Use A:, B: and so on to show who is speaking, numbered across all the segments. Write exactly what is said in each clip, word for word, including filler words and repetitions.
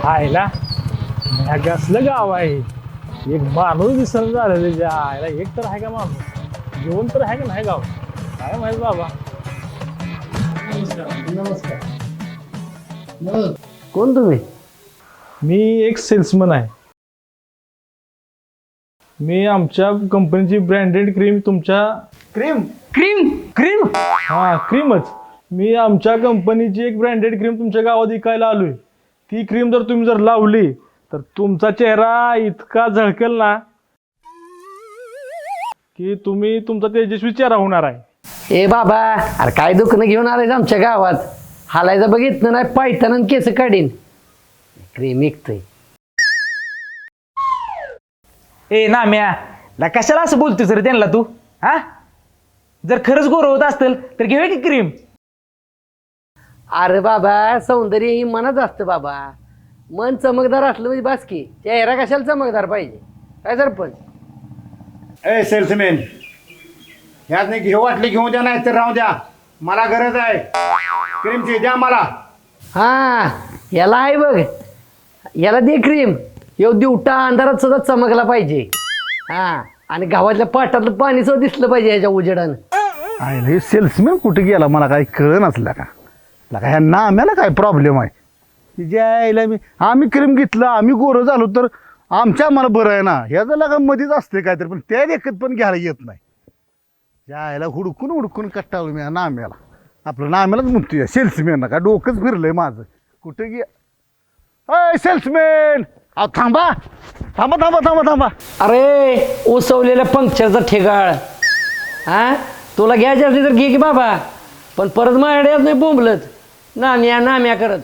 A: आयला कसलं गाव आहे. एक माणूस दिसणं झालं त्याच्या आयला. एक तर आहे का माणूस जेवण तर आहे का नाही गाव काय माहित बाबा.
B: नमस्कार. कोण तुम्ही?
A: मी एक सेल्समन आहे. मी आमच्या कंपनीची ब्रँडेड क्रीम तुमच्या
B: क्रीम क्रीम क्रीम
A: हा क्रीमच मी आमच्या कंपनीची एक ब्रँडेड क्रीम तुमच्या गावात विकायला आलोय. ती क्रीम जर तुम्ही जर लावली तर तुमचा चेहरा इतका झळकेल ना की तुम्ही तुमचा तेजस्वी चेहरा होणार आहे.
B: ए बाबा, अरे काय दुखणं घेऊन आलाय आमच्या गावात? हालायचं बघितलं नाही पायताना केस काढीन. क्रीम विकतोय.
C: ए नाम्या ला कशाला असं बोलतोस रे त्यांना तू? हा जर खरंच गोर होत असतील तर घेऊया की क्रीम.
B: अरे बाबा, सौंदर्य ही मनच असतं बाबा. मन चमकदार असलं म्हणजे बास की. चेहरा कशाला चमकदार पाहिजे काय सरपंच?
D: ए सेल्समॅन, ह्यात नाही घेऊ वाटली घेऊ द्या, नाही तर राहू द्या. मला गरज आहे क्रीमची, द्या मला.
B: हा याला आहे बघ, याला दे क्रीम. येऊ दिवटा अंधारात सुद्धा चमकला पाहिजे. हा आणि गावातल्या पाटातलं पाणी सुद्धा दिसलं पाहिजे ह्याच्या उजेडानं.
E: आहे हे सेल्समॅन कुठे गेला मला काही कळ नसला का लका ह्या नाम्याला काय प्रॉब्लेम आहे. तिच्या आईला मी आम्ही क्रीम घेतलं आम्ही गोरं झालो तर आमच्या मला बरं आहे ना. ह्याचं लगा मध्येच असते काहीतरी पण त्या देखत पण घ्यायला येत नाही. त्या आईला हुडकून हुडकून कट्टावलं मी नाम्याला. आपलं नाम्यालाच म्हणतोय सेल्समॅन का डोकंच फिरलंय माझं. कुठे गे अय सेल्समॅन, अहो थांबा थांबा थांबा थांबा थांबा.
B: अरे उसवलेल्या पंक्चरचा ठेगाळ. हा तुला घ्यायचे असले तर घे की बाबा, पण परत माझ्याकडे येत नाही बोंबलत नाम्या नाम्या करत.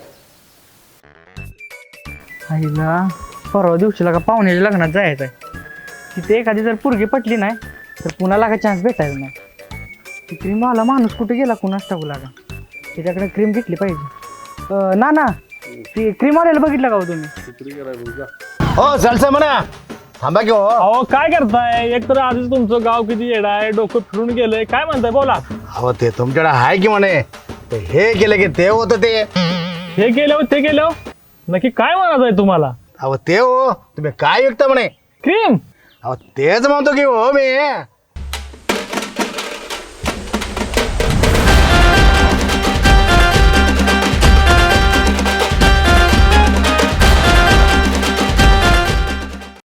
C: आईला परवा दिवशीला का पाहुण्याच्या लग्नात जायचं आहे. तिथे एखादी जर पोरगी पटली नाही तर पुन्हा का चान्स भेटायचा नाही. ती क्रीम आला माणूस कुठे गेला कुणास टाकू लागा. त्याच्याकडे क्रीम घेतली पाहिजे. अं, ना ना ती क्रीम आलेला बघितलं का हो तुम्ही?
D: हो चालतं म्हणा. थांबा की हो.
A: अहो काय करताय? एक तर आधीच तुमचं गाव किती येडा आहे, डोकं फिरून गेलंय. काय म्हणताय बोला.
D: अहो ते तुमच्याकडे आहे की म्हणे. ते हे केलं की ते होतं ते.
A: हे केलं ते केलं नक्की काय म्हणायचं आहे तुम्हाला?
D: अहो ते हो तुम्ही काय विकता म्हणे?
A: क्रीम.
D: अहो तेच म्हणतो की हो मी.